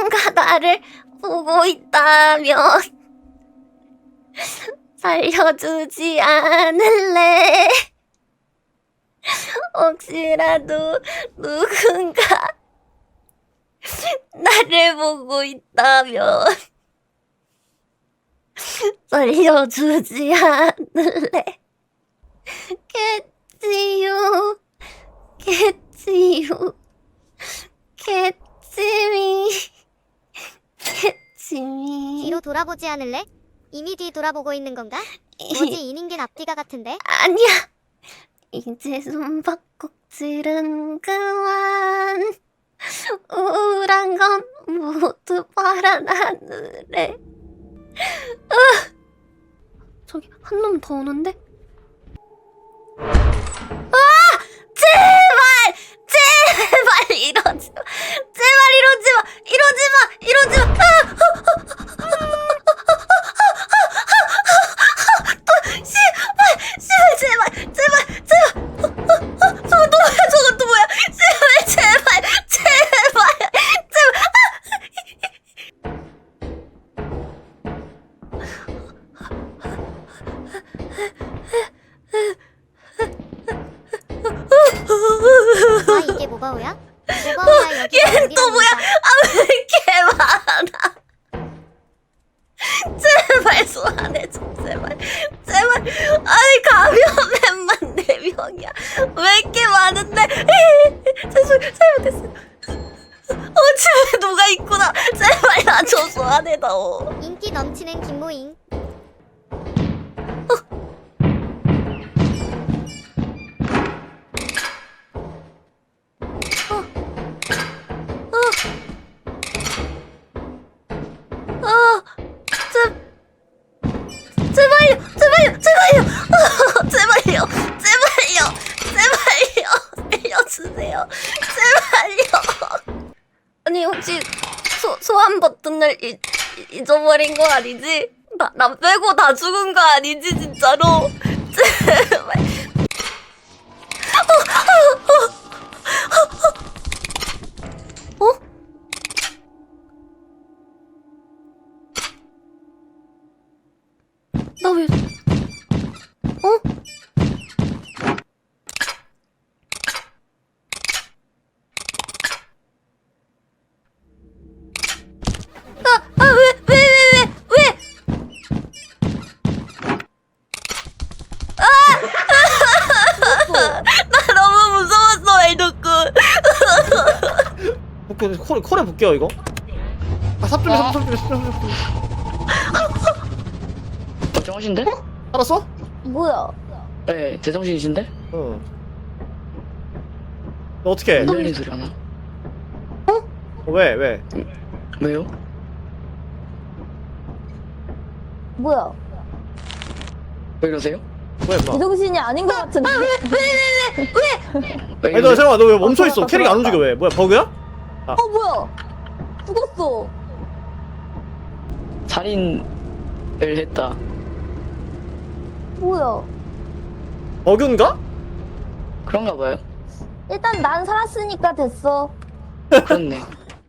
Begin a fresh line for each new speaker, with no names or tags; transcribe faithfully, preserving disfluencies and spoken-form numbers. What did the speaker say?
누군가 나를 보고 있다면 살려주지 않을래? 혹시라도 누군가 나를 보고 있다면 살려주지 않을래? 겠지요, 겠지요, 겠지미, 겠지미.
뒤로 돌아보지 않을래? 이미 뒤 돌아보고 있는 건가? 뭐지 이닝겐 앞뒤가 같은데?
아니야. 이제 숨바꼭질은 그만. 우울한 건 모두 파란 하늘에. 으! 저기 한 놈 더 오는데? 아! 제발! 제발 이러지 마! 제발 이러지 마! 이러지 마! 이러지 마! 아! 씨발! 씨발 제발! 제발! 제발! 저거 또 뭐야? 저거 또 뭐야? 제발! 제발! 제발! 제발!
아 이게 모바오야? 모바오야 여기
얘는 또 뭐야? 아 왜 이렇게 많아? 제발 소환해줘 제발 제발. 아니 가면맨만 네 명이야. 왜 이렇게 많은데? 죄송 잘못했어. 어 집에 누가 있구나. 제발 나 저 소환해다오.
인기 넘치는 김모잉.
아, 제, 제발요, 제발요, 제발요, 아, 제발요, 제발요, 제발요, 살려주세요, 제발요. 아니 혹시 소 소환 버튼을 잊, 잊어버린 거 아니지? 나, 나 빼고 다 죽은 거 아니지 진짜로? 제발. 어? 어? 나 왜? 어? 아, 아, 왜, 왜, 왜, 왜, 왜? 아! 나 너무 무서웠어, 멜도꾼.
볼게요. 콜, 콜에 볼게요 이거. 아 삽좀이 삽좀이 삽좀이 삽좀이.
멀쩡하신데?
알았어?
뭐야?
네, 제정신이신데?
응. 너 어떻게?
안 열린 소리 하나?
어, 왜 왜?
왜요?
뭐야?
왜 이러세요?
왜 막?
제정신이 아닌 것 같은데.
왜
아니 너
이러세요?
잠깐만 너 왜 멈춰 있어? 캐릭 안 움직여 왜? 뭐야 버그야?
어 뭐야? 죽었어.
살인을 했다.
뭐야?
버그인가?
그런가 봐요.
일단 난 살았으니까 됐어.
그렇네.